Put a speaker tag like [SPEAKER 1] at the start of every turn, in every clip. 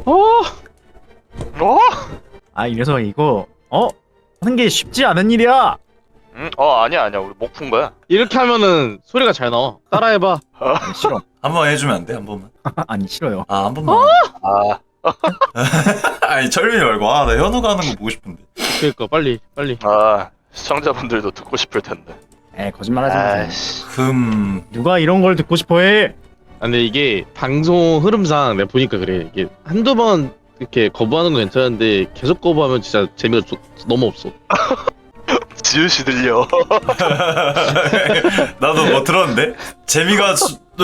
[SPEAKER 1] 뭐?
[SPEAKER 2] 아, 이 녀석 이거 하는 게 쉽지 않은 일이야.
[SPEAKER 1] 아니야. 우리 목 푼 거야.
[SPEAKER 3] 이렇게 하면은 소리가 잘 나와. 따라해봐.
[SPEAKER 2] 아니, 싫어.
[SPEAKER 4] 한번 해주면 안 돼? 한 번만.
[SPEAKER 2] 아니, 싫어요.
[SPEAKER 4] 아, 한 번만.
[SPEAKER 1] 아,
[SPEAKER 4] 아니 철민이 말고 나 현우가 하는 거 보고 싶은데.
[SPEAKER 3] 그러니까 빨리.
[SPEAKER 1] 시청자분들도 듣고 싶을 텐데.
[SPEAKER 2] 거짓말하지 마세요.
[SPEAKER 1] 아이씨.
[SPEAKER 2] 누가 이런 걸 듣고 싶어해?
[SPEAKER 3] 근데 이게 방송 흐름상 내가 보니까 그래. 이게 한두 번 이렇게 거부하는 건 괜찮은데 계속 거부하면 진짜 재미가 너무 없어.
[SPEAKER 1] 지읒이 들려.
[SPEAKER 4] 나도 뭐 들었는데 재미가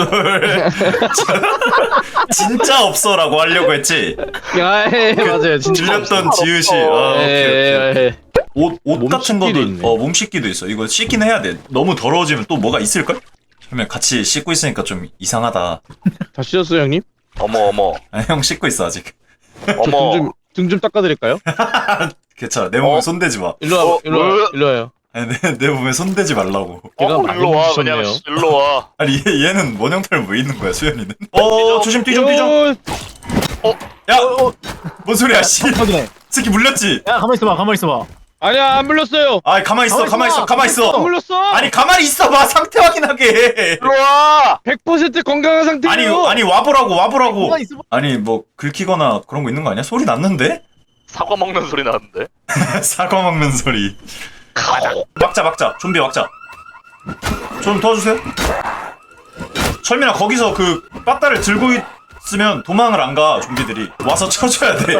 [SPEAKER 4] 진짜 없어라고 하려고 했지.
[SPEAKER 3] 맞아요. 진짜
[SPEAKER 4] 들렸던
[SPEAKER 3] 없어.
[SPEAKER 4] 지읒이. 오케이. 옷
[SPEAKER 3] 몸
[SPEAKER 4] 같은
[SPEAKER 3] 씻기도
[SPEAKER 4] 것도
[SPEAKER 3] 있네.
[SPEAKER 4] 몸 씻기도 있어. 이거 씻기는 해야 돼. 너무 더러워지면 또 뭐가 있을걸? 그러면 같이 씻고 있으니까 좀 이상하다.
[SPEAKER 3] 다 씻었어요 형님?
[SPEAKER 1] 어머.
[SPEAKER 4] 아, 형 씻고 있어 아직.
[SPEAKER 1] 어머.
[SPEAKER 3] 등 좀 닦아드릴까요?
[SPEAKER 4] 괜찮아. 내 몸에 손대지 마.
[SPEAKER 3] 일로 와요.
[SPEAKER 4] 아니, 내 몸에 손대지 말라고.
[SPEAKER 3] 걔가
[SPEAKER 1] 일로 와.
[SPEAKER 3] 많이
[SPEAKER 1] 그냥
[SPEAKER 3] 주셨네요.
[SPEAKER 1] 일로 와.
[SPEAKER 4] 아니 얘는 원형탈 왜 있는 거야 수현이는? 조심 뛰좀. 야, 뭔 소리야 씨.
[SPEAKER 2] 확인해.
[SPEAKER 4] 새끼 물렸지?
[SPEAKER 2] 야, 가만히 있어봐.
[SPEAKER 3] 아니야 안 물렸어요.
[SPEAKER 4] 아 가만 있어.
[SPEAKER 3] 안 물렸어.
[SPEAKER 4] 아니 가만히 있어봐. 상태 확인하게.
[SPEAKER 1] 일로 와.
[SPEAKER 3] 100% 건강한 상태예요.
[SPEAKER 4] 아니 와보라고.
[SPEAKER 2] 가만히 있어봐.
[SPEAKER 4] 아니 뭐 긁히거나 그런 거 있는 거 아니야? 소리 났는데?
[SPEAKER 1] 사과 먹는 소리 나는데.
[SPEAKER 4] 사과 먹는 소리. 막자. 좀비 막자. 좀 도와주세요. 철민아 거기서 그 빠따를 들고 있으면 도망을 안 가. 좀비들이 와서 쳐줘야 돼.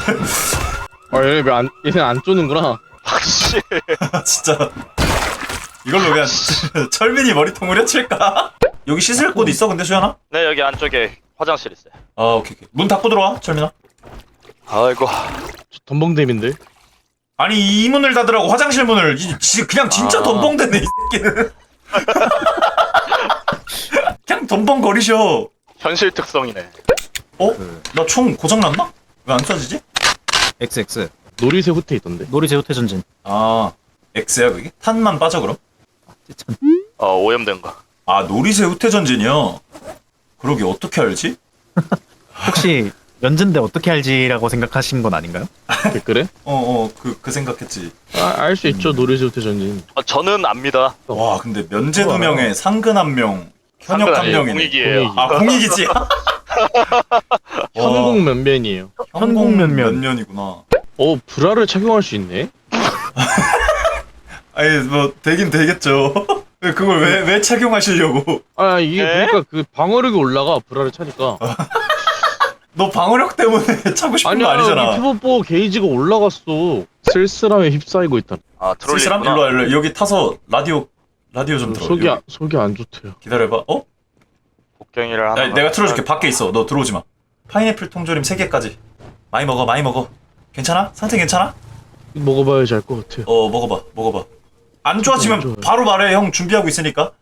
[SPEAKER 3] 얘는 안 쪼는구나.
[SPEAKER 1] 확실.
[SPEAKER 4] 진짜 이걸로 그냥 철민이 머리통을 해칠까? 여기 씻을 곳 있어 근데 수연아?
[SPEAKER 1] 네, 여기 안쪽에 화장실 있어요.
[SPEAKER 4] 아 오케이. 문 닫고 들어와 철민아.
[SPEAKER 1] 아이고.
[SPEAKER 3] 저 덤벙댐인데.
[SPEAKER 4] 아니 이 문을 닫으라고 화장실 문을 그냥 진짜 덤벙대네 이 새끼는. 그냥 덤벙거리셔.
[SPEAKER 1] 현실 특성이네.
[SPEAKER 4] 나 총 고장났나? 왜 안 쏴지지?
[SPEAKER 2] XX.
[SPEAKER 3] 놀이새 후퇴 있던데.
[SPEAKER 2] 놀이제 호태 전진.
[SPEAKER 4] 아 X야 그게? 탄만 빠져 그럼?
[SPEAKER 1] 오염된 거.
[SPEAKER 4] 아 놀이새 후퇴전진이요? 그러게 어떻게 알지?
[SPEAKER 2] 혹시 면제인데 어떻게 알지라고 생각하신 건 아닌가요?
[SPEAKER 3] 댓글에?
[SPEAKER 4] 그 생각했지.
[SPEAKER 3] 알 수 있죠. 놀이새 후퇴 전진.
[SPEAKER 1] 저는 압니다.
[SPEAKER 4] 와 근데 면제 2명에 상근 1명 현역
[SPEAKER 1] 상근
[SPEAKER 4] 1명이네.
[SPEAKER 1] 공익이에요.
[SPEAKER 4] 아 공익이지?
[SPEAKER 3] 현국 면면이에요.
[SPEAKER 2] 현국 면면.
[SPEAKER 4] 면면이구나.
[SPEAKER 3] 브라를 착용할 수 있네.
[SPEAKER 4] 아니 뭐 되긴 되겠죠. 그걸 왜 착용하시려고?
[SPEAKER 3] 이게
[SPEAKER 1] 네?
[SPEAKER 3] 보니까 그 방어력이 올라가 브라를 차니까.
[SPEAKER 4] 너 방어력 때문에 차고 싶은 거 아니잖아.
[SPEAKER 3] 피부보 게이지가 올라갔어. 쓸쓸함에 휩싸이고 있다.
[SPEAKER 1] 트롤리.
[SPEAKER 4] 쓸쓸함? 일로 와. 여기 타서 라디오 좀 들어.
[SPEAKER 3] 속이 안 좋대요.
[SPEAKER 4] 기다려봐.
[SPEAKER 1] 복경이를 하나.
[SPEAKER 4] 내가 틀어줄게. 밖에 있어. 너 들어오지 마. 파인애플 통조림 3개까지. 많이 먹어. 괜찮아? 상태 괜찮아?
[SPEAKER 3] 먹어봐야지 알 것 같아요.
[SPEAKER 4] 먹어봐. 안 좋아지면
[SPEAKER 3] 좋아요.
[SPEAKER 4] 바로 말해. 형 준비하고 있으니까.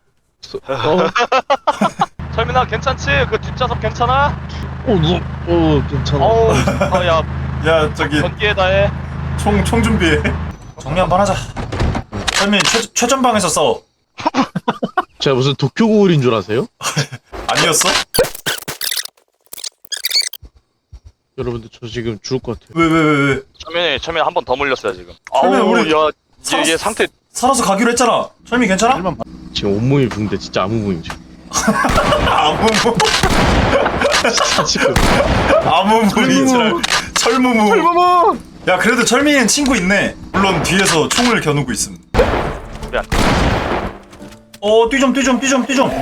[SPEAKER 1] 철민아 괜찮지? 그 뒷좌석 괜찮아?
[SPEAKER 3] 괜찮아.
[SPEAKER 1] 야
[SPEAKER 4] 야 저기
[SPEAKER 1] 전기에다 해.
[SPEAKER 4] 총 준비해. 정리 한번 하자. 철민 최전방에서 싸워.
[SPEAKER 3] 제가 무슨 도쿄 고울인 줄 아세요?
[SPEAKER 4] 아니었어?
[SPEAKER 3] 여러분들 저 지금 죽을 것 같아요.
[SPEAKER 4] 왜?
[SPEAKER 1] 철민이 한 번 더 물렸어요 지금.
[SPEAKER 4] 철민아, 우리
[SPEAKER 1] 야
[SPEAKER 4] 살았-
[SPEAKER 1] 얘 상태.
[SPEAKER 4] 살아서 가기로 했잖아. 철민 괜찮아?
[SPEAKER 3] 지금 온몸이 붕대 진짜 아무 무임 지금. 지금.
[SPEAKER 4] 아무무이지랄. 철무무. 야 그래도 철민이는 친구 있네. 물론 뒤에서 총을 겨누고 있음.
[SPEAKER 1] 미안.
[SPEAKER 4] 뛰 좀.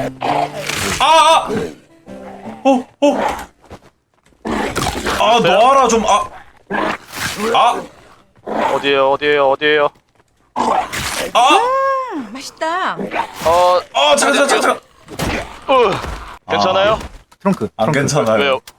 [SPEAKER 4] 놔라 좀.
[SPEAKER 1] 어디에요?
[SPEAKER 5] 맛있다.
[SPEAKER 4] 잠깐.
[SPEAKER 1] 괜찮아요?
[SPEAKER 2] 트렁크.
[SPEAKER 4] 안 괜찮아요.
[SPEAKER 1] 왜요?